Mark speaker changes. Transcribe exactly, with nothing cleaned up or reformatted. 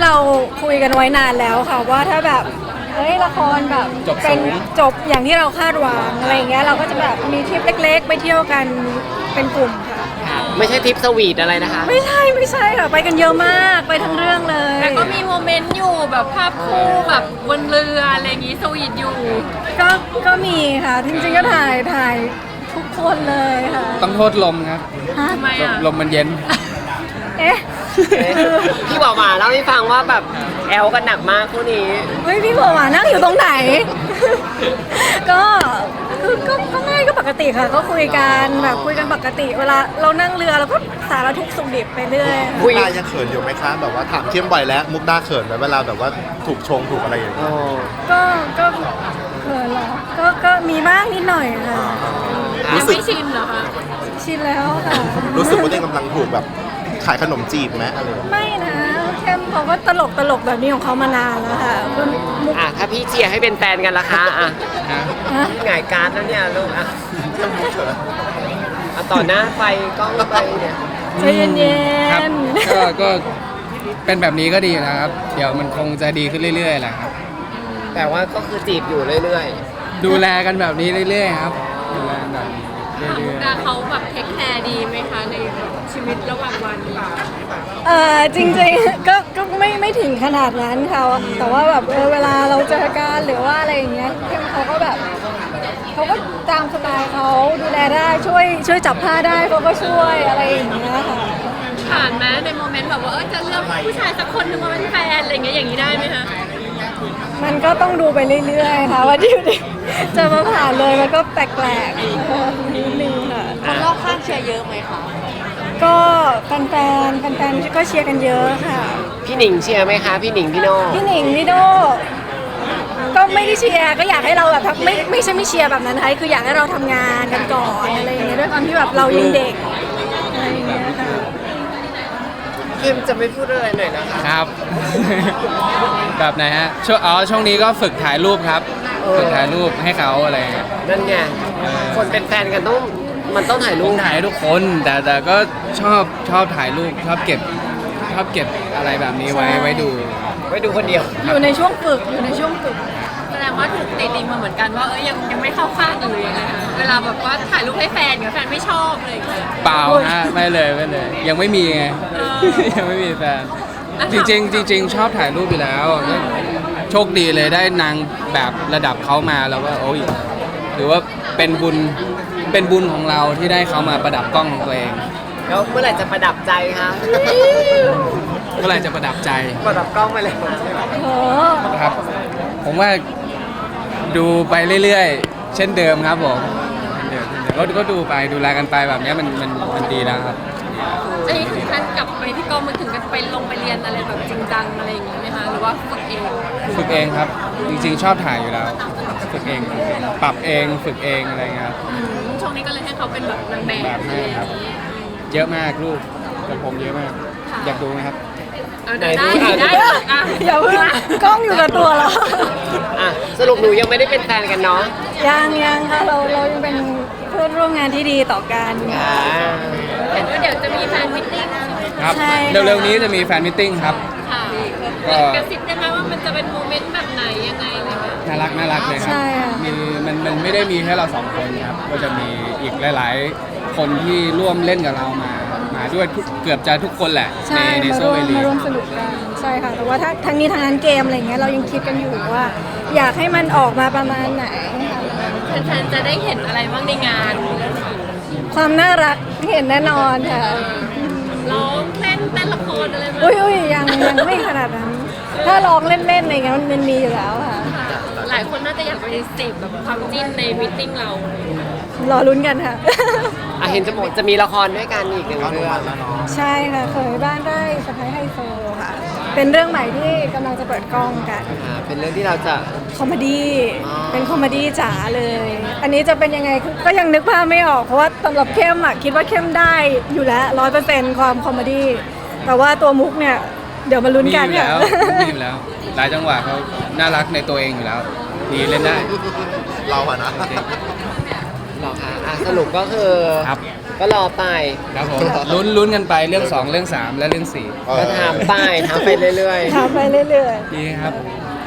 Speaker 1: เราคุยกันไว้นานแล้วค่ะว่าถ้าแบบเฮ้ยละครแบบเป็นจบอย่างที่เราคาดหวังอะไรอย่างเงี้ยเราก็จะแบบมีทริปเล็กๆไปเที่ยวกันเป็นกลุ่มค่ะ
Speaker 2: ไม่ใช่ทริปสวีทอะไรนะคะ
Speaker 1: ไม่ใช่ไม่ใช่ค่ะไปกันเยอะมากไปทั้งเรื่องเลย
Speaker 3: แต่ก็มีโมเมนต์อยู่แบบภาพคู่แบบบนเรืออะไรอย่างงี้สวีทอยู่
Speaker 1: ก็ก็มีค่ะจริงๆก็ถ่ายถ่ายทุกคนเลยค่ะ
Speaker 4: ต้องโทษลมครับ
Speaker 1: ฮะ
Speaker 3: ทำไมอ่ะ
Speaker 4: ลมมันเย็น
Speaker 1: เอ๊ะ
Speaker 2: พี่บอกมาเล่าให้ฟังว่าแบบแอลกันหนักมากคู่นี้
Speaker 1: เฮ้ยพี่บอกว่านั่งอยู่ตรงไหน ก็คือก็ก็ง่ายก็ปกติค่ะ ก็คุยกันแบบคุยกันปกติ เวลาเรานั่งเรือเราก็สารทุกข์สุขดิบไปเรื่อย
Speaker 2: คุ
Speaker 5: มุ
Speaker 2: ย
Speaker 5: กดายังเขินอยู่ไหมคะแบบว่าถามเข้มบ่อยแล้วมุกดาเขินไหมเวลาแบบว่าถูกชงถูกอะไรอย่างเงี้ย
Speaker 2: โอ้
Speaker 1: ก็ก็เขินเหรอก็ก็มีบ้างนิดหน่อยค่ะ
Speaker 5: รู้
Speaker 3: ยัง
Speaker 5: สึก
Speaker 3: ไม่ชินเหรอคะ
Speaker 1: ชินแล้วค่ะ
Speaker 5: รู้สึกว่าตัวเองกำลังถูกแบบขายขนมจีบไหมอะไรอย่างเงี้ย
Speaker 1: ไม่นะเข้มเขาก็ตลกตลกแบบนี้ของเขามานานแล้วค่ะคุณมุก
Speaker 2: อ่ะถ้าพี่เชียร์ให้เป็นแฟนกันล่ะคะอ่ะ
Speaker 1: ฮะ
Speaker 2: พี่หงายการ์ดแล้วเนี่ยลูกอ่ะอ่ะต่อหน้าไฟกล้องไปเนี่ย
Speaker 1: ใจเย็น
Speaker 4: ครับ
Speaker 1: ๆ
Speaker 4: ก็ก็เป็นแบบนี้ก็ดีนะครับ เดี๋ยวมันคงจะดีขึ้นเรื่อยๆแหละครับ
Speaker 2: แต่ว่าก็คือจีบอยู่เรื่อย
Speaker 4: ดูแลกันแบบนี้เรื่อยๆครับดูแลกันแบบนี้เรื่อย
Speaker 3: แต่เขาแบบเทคแคร์ดีไหมคะในชีวิตระหว่างวัน
Speaker 1: เออจริงๆ ก็ก็ไม่ไม่ถึงขนาดนั้นค่ะแต่ว่าแบบเออเวลาเราเจอกันหรือว่าอะไรอย่างเงี้ยเข้มเขาก็แบบเขาก็ตามสไตล์เขาดูแลได้ช่วยช่วยจับผ้าได้เขาก็ช่วยอะไรอย่างเงี้ยค่ะ
Speaker 3: ผ่านไหมในโมเมนต์แบบว่าเออจะเลือกผู้ชายสักคนหนึงมาเป็นแฟนอะไรอย่างเงี้ยอย่างนี้ได้ไหมคะ
Speaker 1: มันก็ต้องดูไปเรื่อยๆค่ะว่าที่จะมาผ่านเลยมันก็แปลกๆเออนิดนึงค่ะ
Speaker 3: คนรอบข้างเชียร์เยอะไหมคะ
Speaker 1: ก็แฟนๆแฟนๆก็เชียร์กันเยอะค่ะ
Speaker 2: ๆ พี่หนิงเชียร์ไหมคะ พี่หนิงพี่โน่
Speaker 1: พี่หนิงพี่โดก็ไม่ได้เชียร์ก็อยากให้เราแบบทำไม่ไม่ใช่ไม่เชียร์แบบนั้นนะคะคืออยากให้เราทำงานกันก่อนอะไรอย่างเงี้ยด้วยความที่แบบเรายังเด็กอะไรอย่างเงี้ยค่ะ
Speaker 2: เข้มจะไม่พูดอะไรหน่อยนะคะ
Speaker 4: ๆครับ แบบไหนฮะช่วงอ๋อช่วงนี้ก็ฝึกถ่ายรูปครับ ฝึกถ่ายรูปให้เขาอะไรอย่างเงี้ย
Speaker 2: นั่นไง
Speaker 4: เออ
Speaker 2: คนเป็นแฟนกันต้องมันต้องถ่ายรู
Speaker 4: ลุ
Speaker 2: ป
Speaker 4: งถ่ายให้ทุกคนแต่แต่ก็ชอบชอบถ่ายรูปชอบเก็บชอบเก็บอะไรแบบนี้ไว้ไว้ดู
Speaker 2: ไว้ดูคนเดียว
Speaker 1: อยู่ในช่วงฝึกอยู่ในช่วงฝึก
Speaker 3: แสดงว่าถูกตีติงมาเหมือนกันว่าเอ้ยยังยังไม่เข้าข้างกันเลยยังไงคะเวลาแบบว่าถ่ายรูปให้แฟนกับแฟนไม่ชอบอะไรอย่างเงี้ย
Speaker 4: เปล่าฮะไม่เลยไม่เลย ยังไม่มีไง
Speaker 3: เออ
Speaker 4: ยังไม่มีแฟน จริงๆจริงๆชอบถ่ายรูปอยู่แล้วแล้วโชคดีเลยได้นางแบบระดับเขามาแล้วก็โอ้ยหรือว่าเป็นบุญเป็นบุญของเราที่ได้เขามาประดับกล้องของตัวเอง
Speaker 2: แล้วเมื่อไหร่จะประดับใจคะ
Speaker 4: เมื่อไหร่จะประดับใจ
Speaker 2: ประดับกล้องไปเลย
Speaker 1: โอ้
Speaker 4: ครับ ผมว่าดูไปเรื่อยๆ เช่นเดิมครับผมเช่นเดิมเช่นเดิมก็ก็ดูไปดูแลกันไปแบบนี้มันมันมันดีแล้วครับ
Speaker 3: อันนี้ถึงขั้นกลับไปที่กองมือถึงกันไปลงไปเรียนอะไรแบบจริงจังอะไรอย่างเงี้ยไหมคะหรือว่าฝึกเอง
Speaker 4: ฝึกเองครับ จริงๆชอบถ่ายอยู่แล้ว ฝึกเอง ปรับเองฝึกเองอะไรเงี้ยครับ
Speaker 3: อืมช่วงนี้ก็เลยให้เขาเป็นแบบนางแบบ
Speaker 4: แบบ
Speaker 3: อะไร
Speaker 4: นี้
Speaker 3: อย่าง
Speaker 4: ครับ
Speaker 3: งี้
Speaker 4: เยอะมากลูกกับผมเยอะมาก อยากดูไหมครับ
Speaker 3: เอาได้ได้ได้อ่ะ
Speaker 1: อย่าเพิ่งกล้องอยู่กับตัวเรา
Speaker 2: อ่ะสรุปหนูยังไม่ได้เป็นแฟนกันเนาะ
Speaker 1: ยังยังค่ะเราเรายังเป็นเพื่อนร่วมงานที่ดีต่อกัน
Speaker 2: อ่า
Speaker 3: เห็นว่าเดี๋ยวจะมีแฟนมิตติ้ง
Speaker 4: ครับ
Speaker 1: ใช่ค่ะ
Speaker 4: เร็วๆนี้จะมีแฟนมิทติ้งครับ
Speaker 3: ค่ะ
Speaker 4: ก็
Speaker 3: กระซิบได้ไหมว่ามันจะเป็นโมเมนต์แบบไหนยังไงอะไรเงี้ย
Speaker 4: น่ารักน่ารักเลยครับ
Speaker 1: ใช่ค่ะ
Speaker 4: มีมันมันไม่ได้มีแค่เราสองคนครับ ก็จะมีอีกหลาย ๆ คนที่ร่วมเล่นกับเรามา มาด้วยทุกเกือบจะทุกคนแหละ ใน
Speaker 1: ใช่
Speaker 4: ใน
Speaker 1: มา
Speaker 4: โซ
Speaker 1: ร่ว
Speaker 4: เว
Speaker 1: ม
Speaker 4: ลี
Speaker 1: มาร่วมสนุกกันใช่ค่ะ แต่ว่าถ้าทั้งนี้ทั้งนั้นเกมอะไรเงี้ยเรายังคิดกันอยู่ว่า อยากให้มันออกมาประมาณไหน
Speaker 3: แฟนๆจะได้เห็นอะไรบ้างในงาน
Speaker 1: ความน่ารักเห็นแน่นอนค่ะ
Speaker 3: ร้องเต้นเต้นละครอะไรไหม
Speaker 1: อุ้ยอุ้ยยังยังไม่ขนาดนั้น ถ้าลองเล่นๆอะไรเงี้ยมันมีอยู่แล้วค่ะ
Speaker 3: ค่ะหลายคนน่าจะอยากไปเสพแบบความจิ้นในมิทติ้งเรา
Speaker 1: รอลุ้นกันค่ะ
Speaker 2: อ่ะเห็นจะบอกจะมีละครด้วยกันอีกหนึ่ง
Speaker 5: เข้าดู
Speaker 2: เรื่อง
Speaker 5: วันแล้วเนาะ
Speaker 1: ใช่ค่ะเคยบ้านได้สะพ้ายไฮโซค่ะ เป็นเรื่องใหม่ที่กำลังจะเปิดกล้องกัน
Speaker 2: อ่าเป็นเรื่องที่เราจะ
Speaker 1: คอมเมดี้
Speaker 2: อ๋อ
Speaker 1: เป็นคอมเมดี้จ๋าเลย อันนี้จะเป็นยังไงคือก็ยังนึกภาพไม่ออก เพราะว่าสำหรับเข้มอ่ะคิดว่าเข้มได้อยู่แล้วร้อยเปอร์เซ็นต์ความคอมเมดี้แต่ว่าตัวมุกเนี่ยเดี๋ยวมาลุ้น
Speaker 4: มี
Speaker 1: กัน
Speaker 4: อยู่
Speaker 1: ค่ะ
Speaker 4: แล้วมีอยู่แล้ว หลายจังหวะเขาน่ารักในตัวเองอยู่แล้ว ดีเล่นได้
Speaker 5: เราอะนะ
Speaker 2: หรอคะอ่ะสรุปก็คือ
Speaker 4: ครับ
Speaker 2: ก็รอไป
Speaker 4: ครับผมลุ้นลุ้นกันไปเรื่องสองเรื่องสามและเรื่องสี่
Speaker 2: ก็ถามไปถามไปเรื่อยๆ
Speaker 1: ถามไปเรื่อย
Speaker 4: ดีครับ
Speaker 1: ๆ